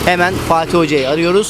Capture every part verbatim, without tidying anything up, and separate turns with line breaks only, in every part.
Hemen Fatih Hoca'yı arıyoruz.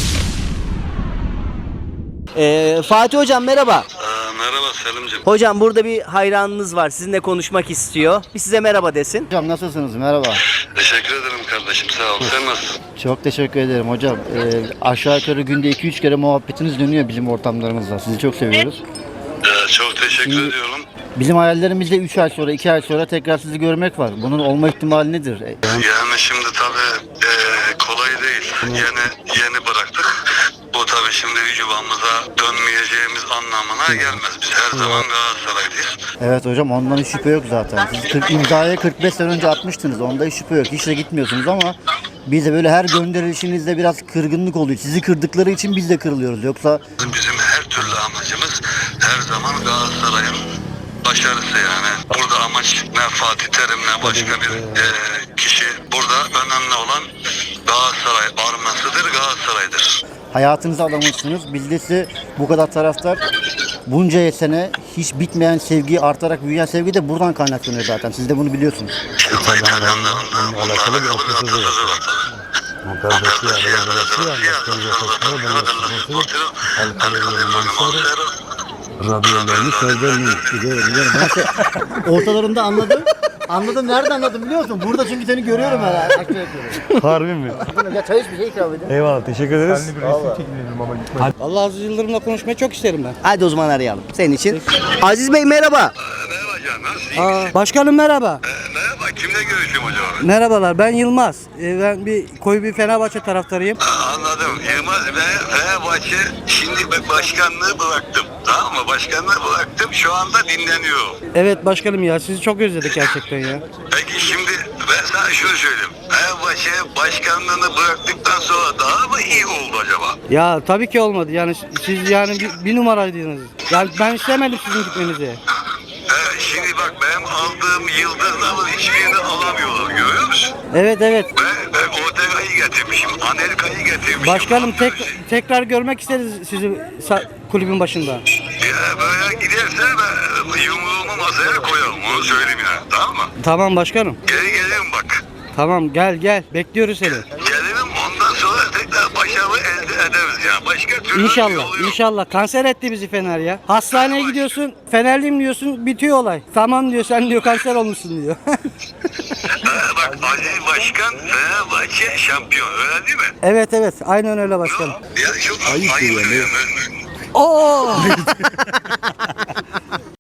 Ee, Fatih Hocam merhaba.
Aa, merhaba Selim'ciğim.
Hocam burada bir hayranınız var. Sizinle konuşmak istiyor. Bir size merhaba desin.
Hocam nasılsınız? Merhaba.
Teşekkür ederim kardeşim, sağ ol. Sen nasılsın?
Çok teşekkür ederim hocam. Ee, aşağı yukarı günde iki üç kere muhabbetiniz dönüyor bizim ortamlarımızda. Sizi çok seviyoruz.
Ee, çok teşekkür
İyi.
ediyorum.
Bizim hayallerimizde üç ay sonra, iki ay sonra tekrar sizi görmek var. Bunun olma ihtimali nedir? E,
Yani şimdi tabii e, kolay değil. Yeni yeni bıraktık. Bu tabii şimdi yuvamıza dönmeyeceğimiz anlamına gelmez. Biz her zaman Galatasaraylıyız.
Evet hocam, ondan hiç şüphe yok zaten. Siz kırk, imzaya kırk beş sene önce atmıştınız. Onda hiç şüphe yok. Hiç de gitmiyorsunuz ama biz de böyle her gönderilişinizde biraz kırgınlık oluyor. Sizi kırdıkları için biz de kırılıyoruz. Yoksa
Bizim her türlü amacımız her zaman Galatasaray'ın başarısı yani. Burada amaç ne Fatih Terim ne başka bir e, kişi. Burada önemli olan Galatasaray armasıdır, Galatasaray'dır.
hayatınıza adamışsınız. Biz de size bu kadar taraftar, bunca sene hiç bitmeyen sevgi, artarak büyüyen sevgi de buradan kaynaklanıyor zaten. Siz de bunu biliyorsunuz.
Ama İtalyanların bununla alakalı bir atasözü var tabii.
Ortalarında anladım. Anladım. Nerede anladım biliyor musun? Burada çünkü seni görüyorum herhalde.
Harbi mi?
Ya çay iç, bir şey ikram edin.
Eyvallah, teşekkür ederiz.
Allah Aziz Yıldırım'la konuşmayı çok isterim ben.
Hadi o zaman arayalım senin için. Aziz Bey merhaba.
Merhaba canım, nasılsın?
Aa, başkanım merhaba.
Merhaba, kimle görüşüyorum acaba?
Merhabalar, ben Yılmaz. Ee, ben bir koyu bir Fenerbahçe taraftarıyım.
Anladım. Yılmaz ve Fenerbahçe şimdi ben başkanlığı bıraktım. Tamam mı? Başkanlığı bıraktım. Şu anda dinleniyorum.
Evet başkanım ya, sizi çok özledik gerçekten ya.
Peki şimdi ben sana şunu söyleyeyim. Fenerbahçe başkanlığını bıraktıktan sonra daha mı iyi oldu acaba?
Ya tabii ki olmadı. Yani siz yani bir, bir numaraydınız. Yani ben istemedim sizin gitmenizi.
Ee, şimdi bak benim aldığım yıldızların hiçbirini alamıyorlar. Görüyor musun?
Evet evet.
Ben, ben Ortega'yı getirmişim. Anelka'yı getirmişim.
Başkanım tek, tekrar görmek isteriz sizi sa- kulübün başında.
Ya böyle giderse ben yumruğumu masaya koyarım. Onu söyleyeyim ya. Tamam mı?
Tamam başkanım.
Geri gelirim bak.
Tamam gel gel. Bekliyoruz seni.
Gelirim, ondan sonra tekrar başarı elde ederiz ya. Başka türlü bir
İnşallah,
yolu yok.
inşallah. Kanser etti bizi Fener ya. Hastaneye gidiyorsun, Fenerliyim diyorsun, bitiyor olay. Tamam diyor, sen diyor kanser olmuşsun diyor.
Ee, bak Aziz Başkan Fenerbahçe şampiyon, öyle değil mi?
Evet evet, aynen öyle başkanım.
Ya çok ayıp, ayıp ya.
Oo!